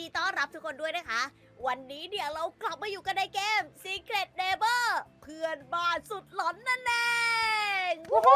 ต้อนรับทุกคนด้วยนะคะ วันนี้เดี๋ยวเรากลับมาอยู่กันในเกม Secret Neighbor เพื่อนบ้านสุดหลอนนั่นเองโอ้โห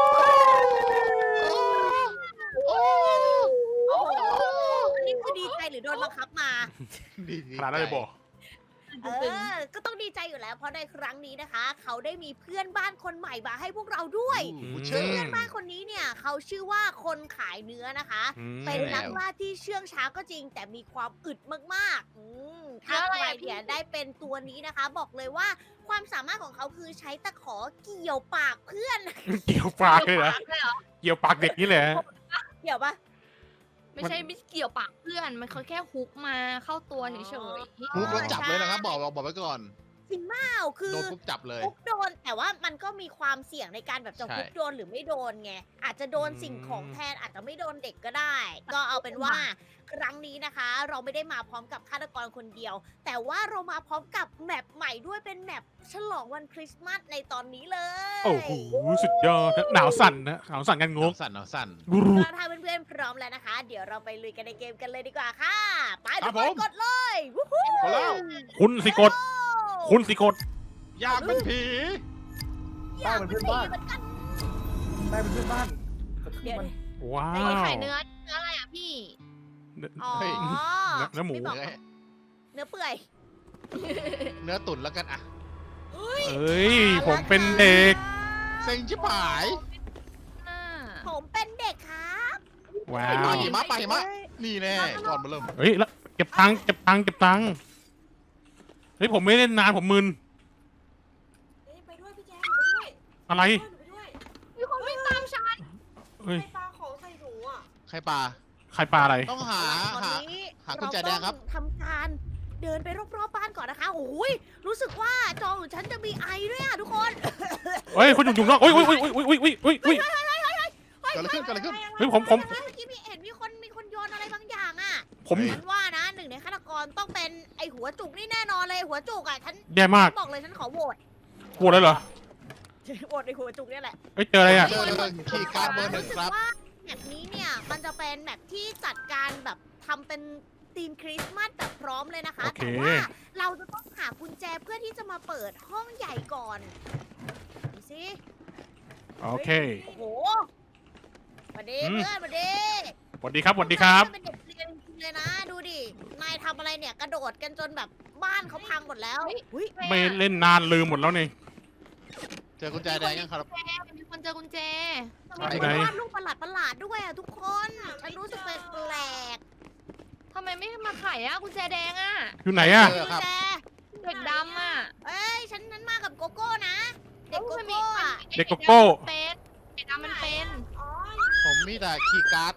อันนี้คือดีใจหรือโดนบังคับมาขนาดนั้นเลยบอกก็ต้องดีใจอยู่แล้ว เพราะในครั้งนี้นะคะ เขาได้มีเพื่อนบ้านคนใหม่มาให้พวกเราด้วยมเพื่อนบ้านคนนี้เนี่ยเขาชื่อว่าคนขายเนื้อนะคะ เป็นนักล่าที่เชื่องช้าก็จริง แต่มีความอึดมากๆถ้าใครเนี่ยได้เป็นตัวนี้นะคะ บอกเลยว่าความสามารถของเขาคือใช้ตะขอเกี่ยวปากเพื่อนเกี่ยวปากเลยเหรอเกี่ยวปากเด็กนี่แหละเกี่ยวปะไม่ใช่ไม่เกี่ยวปากเพื่อน มันเขาแค่ฮุกมาเข้าตัวเฉยฮุกแล้วจับเลยนะครับบอกไว้ก่อนจริงเปล่าคือโดนปุ๊บจับเลยฮุกโดนแต่ว่ามันก็มีความเสี่ยงในการแบบจะใช่ฮุกโดนหรือไม่โดนไงอาจจะโดนสิ่งของแทนอาจจะไม่โดนเด็กก็ได้ ก็เอาเป็นว่าครั้งนี้นะคะ เราไม่ได้มาพร้อมกับฆาตกรคนเดียว แต่ว่าเรามาพร้อมกับแมปใหม่ด้วยเป็นแมปฉลองวันคริสต์มาสในตอนนี้เลยโอ้โหสุดยอดหนาวสั่นนะหนาวสั่นกันงงเอาสั่นกรูถ้าเพื่อนๆพร้อมแล้วนะคะ เดี๋ยวเราไปลุยกันในเกมกันเลยดีกว่าค่ะไปครัทุบกคนผมกดเลยวู้ฮู้ๆพอแล้วคุณสิกดคุณสิกดอยากเป็นผีอยากเป็นผีเหมือนกันได้เป็นเพื่อนบ้านกระทืบเดี๋ยวมันว้าๆวคนขายเนื้ออะไรอ่ะพี่อ๋อเนื้อหมูไม่บอกเนื้อเนื้อเปื่อยเนื้อตุ๋นแล้วกันอะเอ้ยผมเป็นเด็กเซ็งชิบหายผมเป็นเด็กครับว้าปวหิมะปะหิมะนี่แน่ก่อนมาเริ่มเฮ้ยแล้วเก็บตังค์เก็บตังค์เก็บตังค์เฮ้ยผมไม่เล่นนานผมมึนไปด้วยพี่แจ๊คหนูไปด้วยอะไรหนูไปด้วยมีคนวิ่งตามฉันเฮ้ยใครปลาของใส่หนูอ่ะใครปลาใครปลาอะไรต้องหาตอนหานี้หากุญแจแดงครับเาต้องทำการเดินไปรอบๆบ้านก่อนนะคะโอ้ยรู้สึกว่าจอของฉันจะมีไอด้วยอะทุกคนเฮ้ยคนอยู่นอกโอ้ยโอ้ยโอ้ยโอ้ยโอ้ยโอ้ยโอ้ยโอ้ยเกิดอะไรขึ้นเกิดอะไรขึ้นเฮ้ยผมเมื่อกี้เห็นมีคนโยนอะไรบางอย่างอะผมฉันว่านะหนึ่งในฆาตกรต้องเป็นไอหัวจุกนี่แน่นอนเลยหัวจุกอะฉันแย่มากบอกเลยฉันขอโหวตปวดเลยเหรอโหวตไอหัวจุกเนี่ยแหละเฮ้ยเจออะไรอ่ะเจอคีย์การ์ดเบอร์หนึ่งครับว่าแมปนี้เนี่ยมันจะเป็นแมปที่จัดการแบบทำเป็นธีมคริสต์มาสแบบพร้อมเลยนะคะโอเคแต่ว่าเราจะต้องหากุญแจเพื่อที่จะมาเปิดห้องใหญ่ก่อนดูสิโอเคโอ้โหสวัสดีอืมเพื่อนสวัสดีสวัสดีครับสวัสดีครับเป็นเด็กเรียนจริงๆเลยนะ ดูดิ นายทำอะไรเนี่ยกระโดดกันจนแบบบ้านเขาพังหมดแล้วอุ้ยไม่เล่นนานลืมหมดแล้วนี่เจอกุญแจแดงยังครับมีคนเจอกุญแจทำไมไปมีไหนวาดรูปประหลาดๆด้วยอะทุกคน ฉันรู้สึกแปลกทำไมไม่มาขายอ่ะกุญแจแดงอ่ะอยู่ไหนอ่ะๆกุญแจเด็กดำอ่ะเอ้ย ฉันนั้นมากับโกโก้นะ เด็กโกโก้อะเด็กโกโก้เป็นเด็กดำมันเป็นอ๋อผมมีแต่คีย์การ์ด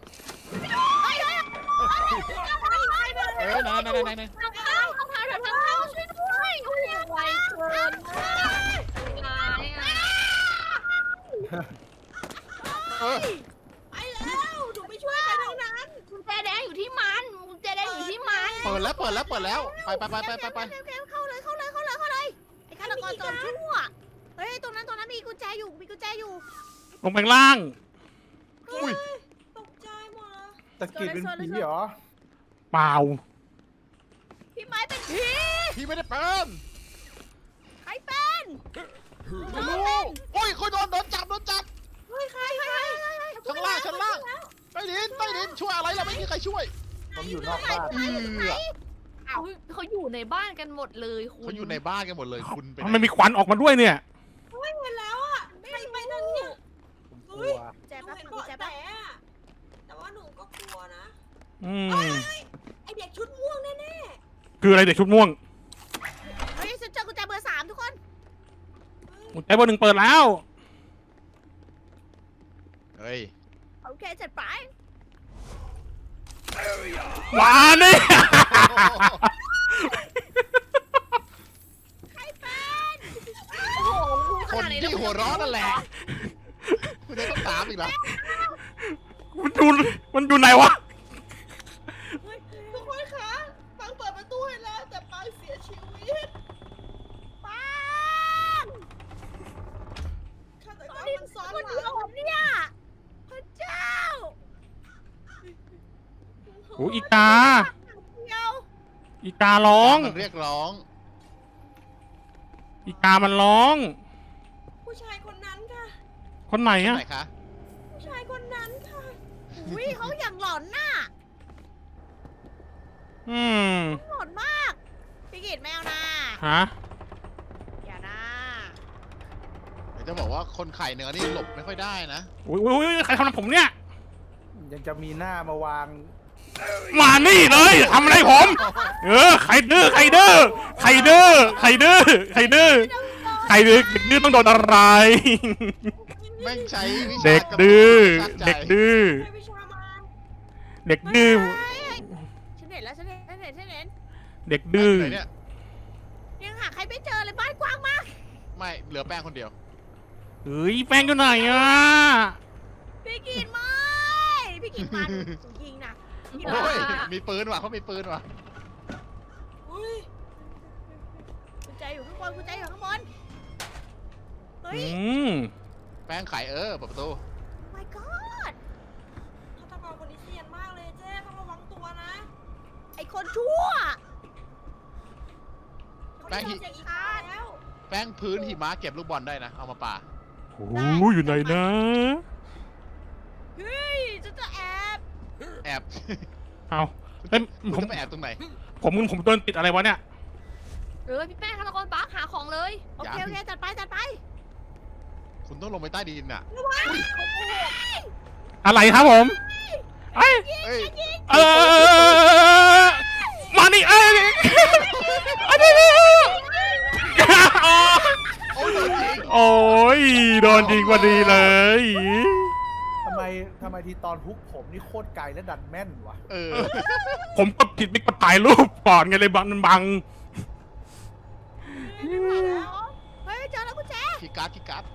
เอ้ยไหนทางเข้าช่วยด้วยโอ้โหไวเกินร้ายอ่ะเออไปแล้วหนูไม่ช่วยใครทั้งนั้นกุญแจแดงอยู่ที่มันกุญแจแดงอยู่ที่มันเปิดแล้วไปเข้าเลยไอ้ฆาตกรจอมชั่วเฮ้ย ตรงนั้นมีกุญแจอยู่ลงไปข้างล่างอุ้ยตกใจหมดเลยตะกิดเป็นผีเหรอเปล่าพี่ไม้เป็นผีพี่ไม่ได้เป็นใครเป็นไม่รู้โอ้ยคนโดนจับเฮ้ยใครชั้นล่างใต้ดินช่วยอะไรล่ะไม่มีใครช่วยผมอยู่นอกบ้านเขาอยู่ในบ้านกันหมดเลยคุณเขาอยู่ในบ้านกันหมดเลยคุณเป็นทำไมมีควันออกมาด้วยเนี่ยไม่เห็นแล้วอ่ะใครไปนั่นเนี่ยผมกลัวแจหนูแป๊บเห็นกุญเบาะแจแสแป๊บอะแต่ว่าหนูก็กลัวนะอืมไอเด็กชุดม่วงแน่คืออะไรเด็กชุดม่วงเฮ้ยฉันเจอกุญแจเบอร์ 3ทุกคนกุญแจเบอร์ 1เปิดแล้วเฮ้ยโอเคจัดไปหวานนี่ใครเป็นโอ้โหคนที่หัวร้อนนั่นแหละคุณจะต้องถามอีกเหรอมันอยู่ไหนวะๆทุกคนคะปังเปิดประตูให้แล้วแต่ปังเสียชีวิตปังฆาตกรนี่มันซ้อนคนหเดียวลังผมเนี่ยพระเจ้าโอ้อีกาเดียวอีการ้องมันเรียกร้องอีกามันร้องผู้ชายคนนั้นค่ะคนไหนอะไหนคะผู้ชายคนนั้นค่ะอุ้ยเขาอย่างหลอนน่ะอืมหลอนมาก พี่กิตแมวนะฮะอย่านะเดี๋ยวจะบอกว่าคนขายเนื้อนี่หลบไม่ค่อยได้นะอุ้ยใครทำผมเนี่ยยังจะมีหน้ามาวางมานี่เลยทำอะไรผม ใครดื้อใครดื้อใครดื้อใครดื้อใครดื้อใครดื้อเด็กดื้อต้องโดนอะไรแม่งใช้วิชาเด็กดื้อชักใจเด็กดื้อใช้วิชามาเด็กดื้อฉันเห็นแล้วฉันเห็นฉันเห็นฉันเห็นเด็กดื้อไหนเนี่ยยังหาใครไม่เจอเลยบ้านกว้างมากไม่เหลือแป้งคนเดียวเฮ้ยแป้งอยู่ไหนอ่ะพี่กิตไม่พี่กิตมันยิงนะพี่กิตโอ้มันยมีปืนว่ะเขามีปืนว่ะอุ้ยกุญแจอยู่ข้างบนกุญแจอยู่ข้างบนเฮ้ยแป้งขายเปิดประตู my god ฆาตกรคนนี้เซียนมากเลยเจ๊ต้องระวังตัวนะไอคนชั่วเขาได้ยินเสียงอีกแล้วแป้งพื้นหิมะเก็บลูกบอลได้นะ เอามาป่าโอ้ยอยู่ไหนนะเฮ้ยฉันจะแอบแอบเอาเฮ้ยคุณผมจะไปแอบตรงไหนผมโดนติดอะไรวะเนี่ยพี่แป้งฆาตกรปักหาของเลยโอเคโอเคจัดไปจัดไปคุณต้องลงไปใต้ดินน่ะอะไรครับผมไอ้เอ้ยมานี่โอ้ยโดนจริงโอ้ยโดนยิงพอดีเลยทำไมทีตอนฮุกผมนี่โคตรไกลและดันแม่นวะผมกดผิดไม่กดถ่ายรูปก่อนไงเลยบังเฮ้ยเจอแล้วกุญแจคีย์การ์ดคีย์การ์ด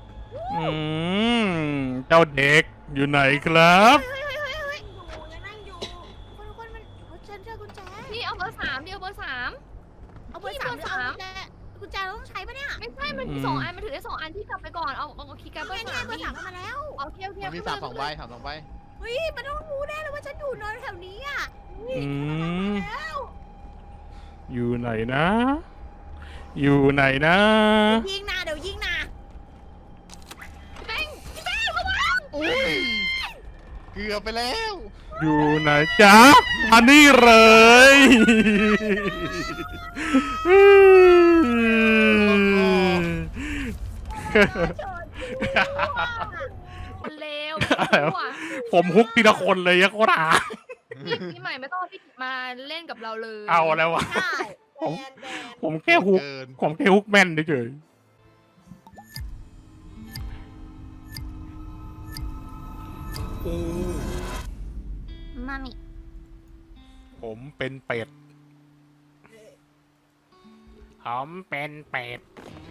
เจ้าเด็กอยู่ไหนครับเฮ้ยอยู่ยังนั่งอยู่คนมันฉันเจอกุญแจพี่เอาเบอร์ 3ดิเอาเบอร์ 3 เอาเบอร์สามพี่เบอร์เอาสามกุญแจเราต้องใช้ปะเนี่ยไม่ใช่มันมี2 อันมันถือได้2 อันที่กลับไปก่อนเอาคีย์การ์ดเบอไม่ร์ไง 3 เบอร์สามมาแล้วเอาเที่ยวมันมีสามสองใบถามสองใบเฮ้ยมันต้องรู้แน่เลยว่าฉันอยู่นอนแถวนี้อ่ะอยู่ไหนนะ อยู่ไหนนะยิงนะเดี๋ยวยิงนะอุ้ยเกือบไปแล้วอยู่ไหนจ๊ะมานี่เลยคนเลวผมฮุกทีละคนเลยอะโคตรหาพี่ใหม่ไม่ต้องพี่มาเล่นกับเราเลยเอาแล้ววะใช่ผมแบนผมแค่ฮุกเกินผมแค่ฮุกแม่นเฉยมามิผมเป็นเป็ดผมเป็นเป็ด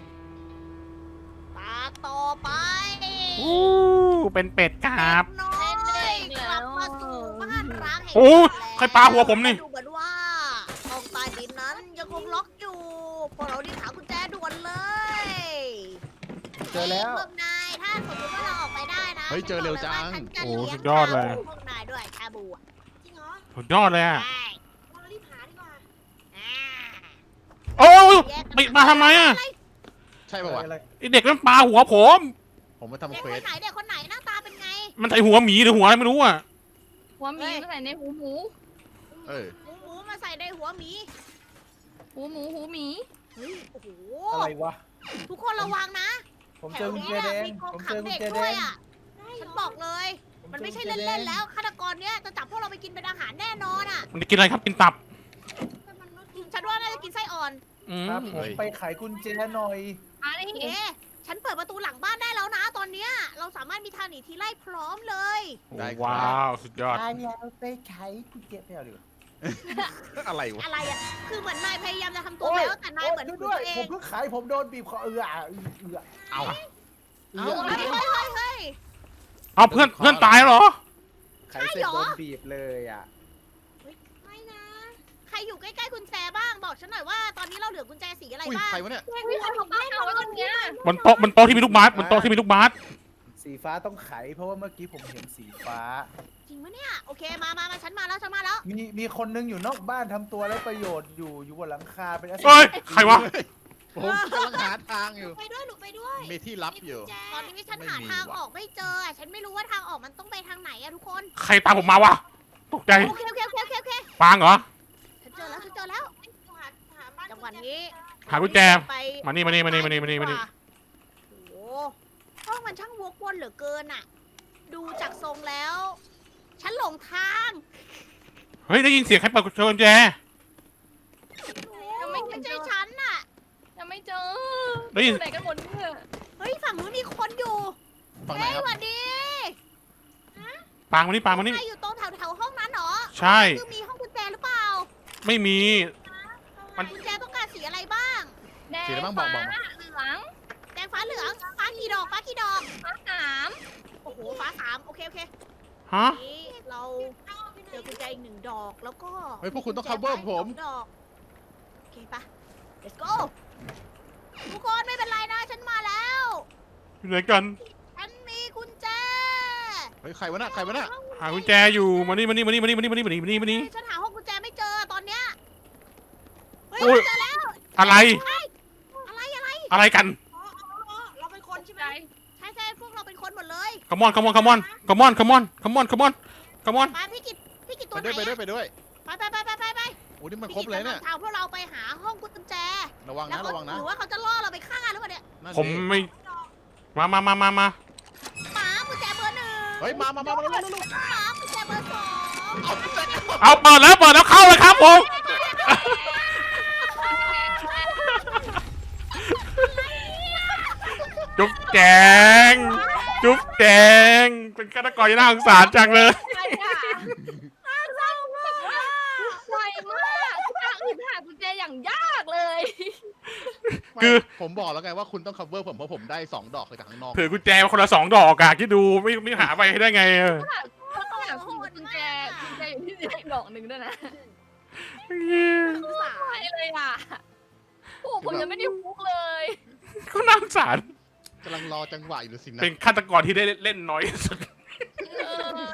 ตาต่อไปเป็นเป็ดครับน้อยกลับมาสู่บ้านร้างแห่งโอ้นี้แล้วใครปาหัวผมนี่ดูเหมือนว่าห้องใต้ดินนั้นยังคงล็อกอยู่พวกเรารีบหากุญแจด่วนเลยเจอแล้วพวกนายถ้าสมมติว่าเราออกไปได้นะเฮ้ยเจอเร็วจังฉันจะโอ้เลี้ยงสุดยอดเลยพวกนายด้วยชาบูอะจริงเหรอสุดยอดเลยอะใช่เรารีบหาดีกว่าอ่าโอ้ยแยกกันไปมาทำไมอะใช่ป่าวะอะไรไอเด็กนั้นปาหัวผมผมมาทำเด็กเควคสนไหนเด็กคนไหนหน้าตาเป็นไงมันใส่หัวหมีหรือหัวอะไรไม่รู้อะหัวหมีก็ใส่ในหูหมูเออหมูมาใส่ในหัวหมีหูหมีเฮ้ยโอ้โหอะไรวะทุกคนระวังนะผมแถเจอวกุญนี้แจเนี่ยแดงมีกองผมขัเจงอกุญเด็กแจแดด้วยงอ่ะ ฉันบอกเลย มันไม่ใช่เล่นๆแล้วฆาตกรเนี้ยจะจับพวกเราไปกินเป็นอาหารแน่นอนอ่ะมันจะกินอะไรครับกินตับฉันว่าน่าจะกินไส้อ่อนครับผมไปไขกุญแจหน่อยมาดิเอ๊ะฉันเปิดประตูหลังบ้านได้แล้วนะตอนเนี้ยเราสามารถมีทางหนีทีไล่พร้อมเลยได้ครับว้าวสุดยอดเราไปไขกุญแจไม่เอาดีกว่าอะไรวะอะไรอ่ะ คือเหมือนนายพยายามจะทำตัวแล้วแต่นายเหมือนโยตัด้ววยเอผมงเพิ่งไขผมโดนบีบคอเอาเฮ้ยเอาเพื่อนตายเหรอไขเสร็จโดนบีบเลยอ่ะไม่นะ ใครอยู่ใกล้ๆกุญแจบ้างบอกฉันหน่อยว่าตอนนี้เราเหลือกุญแจสีอะไรอุ้ยบ้างใครวะเนี่ยพี่ใครเขาบ้าเอาไว้ตรงเนี้ยบนโต๊ะที่มีลูกบาสบนโต๊ะที่มีลูกบาสสีสีฟ้าต้องไข เพราะว่าเมื่อกี้ผมเห็นสีฟ้าจริงปะเนี่ยโอเคมาฉันมาแล้วมีคนนึงอยู่นอกบ้านทำตัวไร้ประโยชน์อยู่บนหลังคาเป็นเฮ้ยใครวะผมกำลังหาทางอยู่ไปด้วยหนูไปด้วยมีที่ลับอยู่ตอนนี้ฉันหาทางออกไม่เจออะฉันไม่รู้ว่าทางออกมันต้องไปทางไหนอะทุกคนใครตามผมมาวะตกใจโอเคปางเหรอฉันเจอแล้วหาบ้านจังหวะนี้หากุญแจไปมานี่โอ้โหห้องมันช่างวกวนเหลือเกินอะดูจากทรงแล้ว ฉันหลงทางเฮ้ยได้ยินเสียงใครเปิดกุญแจยังไม่ไม่เจใช่อฉันน่ะยังไม่เจอได้ยินไหนกันหมดเนี่ยเฮ้ยฝั่งนู้นมีคนอยู่ฝั่งไหนเฮ้ยครับสวัสดีปางมานี่ใครอยู่ตรงแถวห้องนั้นเหรอใช่คือมีห้องกุญแจหรือเปล่าไม่มี มันกุญแจต้องการสีอะไรบ้างแดงสีอะไรบ้างบอกฟ้าเหลืองแดงฟ้าเหลืองฟ้ากี่ดอกฟ้าสามโอ้โหฟ้าสามโอเคฮะนี่เราเจอกุญแจอีก1 ดอกแล้วก็เฮ้ยพวกคุณต้อง cover ผม 2 ดอกโอเคปะ let's go ทุกคนไม่เป็นไรนะฉันมาแล้วอยู่ไหนกันฉันมีกุญแจเฮ้ยใครวะน่ะใครวะน่ะหากุญแจอยู่ มานี่ฉันหาห้องกุญแจไม่เจอตอนเนี้ยเฮ้ยโอ้ยเจอแล้วอะไร อะไรกันเราเป็นคนใช่ไหมใจใช่พวกเราเป็นคนหมดเลย come on มาพี่กิตตัไปวไหนด้วยไปด้วยอะไปด้วยไปโอ้นี่มันพี่ครบกิตเลยจะเนี่ยนำทางพวกเราไปหาห้องกุญแจระวังแล้วนะก็ระวังนะหรือว่าเขาจะล่อเราไปฆ่าหรือเปล่าเนี่ยนั่นผมดิไม่ มาหมากุญแจเบอร์ 1 เฮ้ยมาเร็วหมากุญแจเบอร์ 2 เอาเปิดแล้วเข้าเลยครับผม จุ๊บแจง เป็นฆาตกรที่น่าสงสารจังเลยใช่ค่ะไวมากทางอื่นหากุญแจอย่างยากเลยคือผมบอกแล้วไงว่าคุณต้อง cover ผมเพราะผมได้2 ดอกเลยจากข้างนอกถือกุญแจมาคนละ2 ดอกอะคิดดูไม่หาไปให้ได้ไงอะเขาต้องหากุญแจอยู่ที่ไหนดอกหนึ่งด้วยนะไปเลยอ่ะโอ้ผมยังไม่ได้ฟุกเลยเขาน่าสงสารกำลังรอจังหวะอยู่สินะเป็นฆาตกรที่ได้เล่นน้อยที่สุดเออ